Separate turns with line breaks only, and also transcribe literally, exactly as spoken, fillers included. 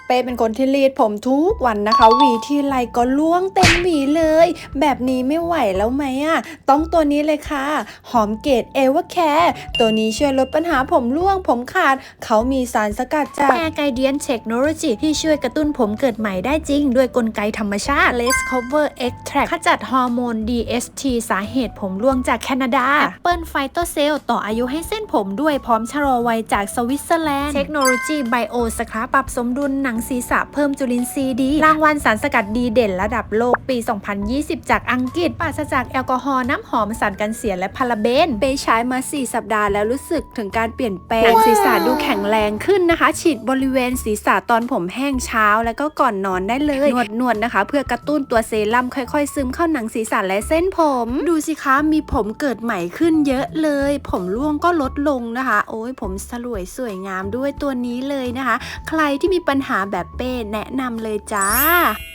เป้เป็นคนที่รีดผมทุกวันนะคะหวีที่ไรก็ร่วงเต็มหวีเลยแบบนี้ไม่ไหวแล้วไหมอ่ะต้องตัวนี้เลยค่ะหอมเกรดเอเวอร์แคร์ตัวนี้ช่วยลดปัญหาผมร่วงผมขาดเขามีสารสกัดจากแอร์ไกเดียนเทคโนโลยีที่ช่วยกระตุ้นผมเกิดใหม่ได้จริงด้วยกลไกธรรมชาติ Less Cover Extract ขจัดฮอร์โมน ดี เอส ที สาเหตุผมร่วงจากแคนาดา Apple Phytocell ต่ออายุให้เส้นผมด้วยพร้อมชะลอวัยจากสวิตเซอร์แลนด์เทคโนโลยีไบโอสครับปรับสมดุลหนังศีรษะเพิ่มจุลินทรีย์ดีรางวัลสารสกัดดีเด่นระดับโลกปี สองพันยี่สิบ จากอังกฤษปราศจากแอลกอฮอล์น้ำหอมสารกันเสียและพาราเบนเปใช้มา สี่ สัปดาห์แล้วรู้สึกถึงการเปลี่ยนแปลงหนังศีรษะดูแข็งแรงขึ้นนะคะฉีดบริเวณศีรษะตอนผมแห้งเช้าแล้วก็ก่อนนอนได้เลยนวดนวดนะคะเพื่อกระตุ้นตัวเซรั่มค่อยๆซึมเข้าหนังศีรษะและเส้นผมดูสิคะมีผมเกิดใหม่ขึ้นเยอะเลยผมร่วงก็ลดลงนะคะโอ้ยผมสลวยสวยงามด้วยตัวนี้เลยนะคะใครที่มีปัญหาแบบเป้แนะนำเลยจ้า